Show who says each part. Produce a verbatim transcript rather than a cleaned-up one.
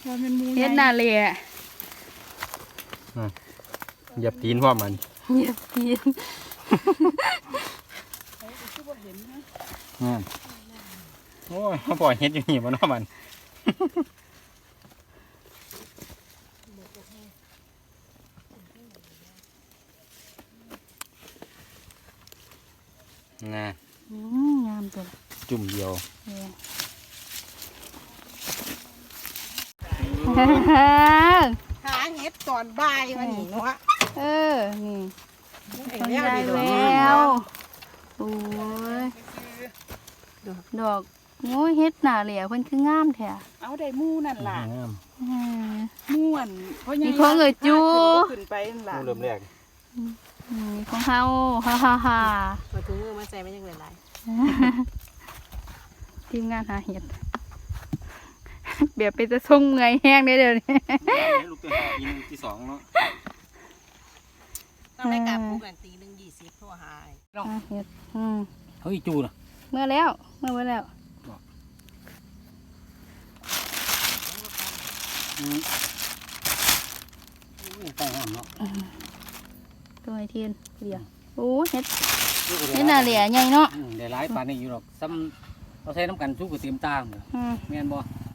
Speaker 1: เฮ็ดนาเลยอ่ะ
Speaker 2: เหยียบตีนพ่อมัน
Speaker 1: เหยียบตีน
Speaker 2: โอ้ยเขาปล่อยเฮ็ดอยู่นี่มันว่ามันน่ะ
Speaker 1: อืมงามตัว
Speaker 2: จุ่มเดียว
Speaker 3: หาเห็ดตอนบ่ายวันนี้เนาะ
Speaker 1: เออนี่
Speaker 3: ไอ้
Speaker 1: ทำ
Speaker 3: แวว
Speaker 1: ได้
Speaker 3: ดีดอก
Speaker 1: แล้วโอ้ยดอกโอ้ยเฮ็ดหนาเหลี่ยเพิ่นคืองามแท้
Speaker 3: เอาได้มู่นั่นล่ะ
Speaker 2: งาม
Speaker 1: อืม
Speaker 3: ม่วนเพราะยัง
Speaker 1: มีของเอ่ยจู
Speaker 3: ขึ้นไปนั่นล่ะ
Speaker 2: ผู้เริ่มแรก
Speaker 1: อืมของเฮาฮ่าฮ่าฮ่า
Speaker 3: มาถุงมือมาใส่ไม่ยังหลาย
Speaker 1: ทีมงานหาเห็ดเบียบไปจะส่งเมื่อยแห้งได้เดี๋ยวนี้
Speaker 2: ลูกตัวหากินที่สองเนาะ
Speaker 3: ๆต้องได้กลับปลูกกันตีหนึ่งยี่สิบโทรหา
Speaker 1: หาเห็ดอืม
Speaker 2: เฮ้ยจูน่ะ
Speaker 1: เมื่อแล้วเมื่อไว้แล้ว
Speaker 2: ต้องห้ามเนาะ
Speaker 1: ตัวไอเทียนเดียวโอ้เห็ดเห็ดหนาเหลี่ยใหญ่เนาะ
Speaker 2: ได้หลายปานนี้อยู่หรอกซ้ำเราใช้น้ำกันสู้กับเตรียมตาม
Speaker 1: อืม
Speaker 2: แม่นบ่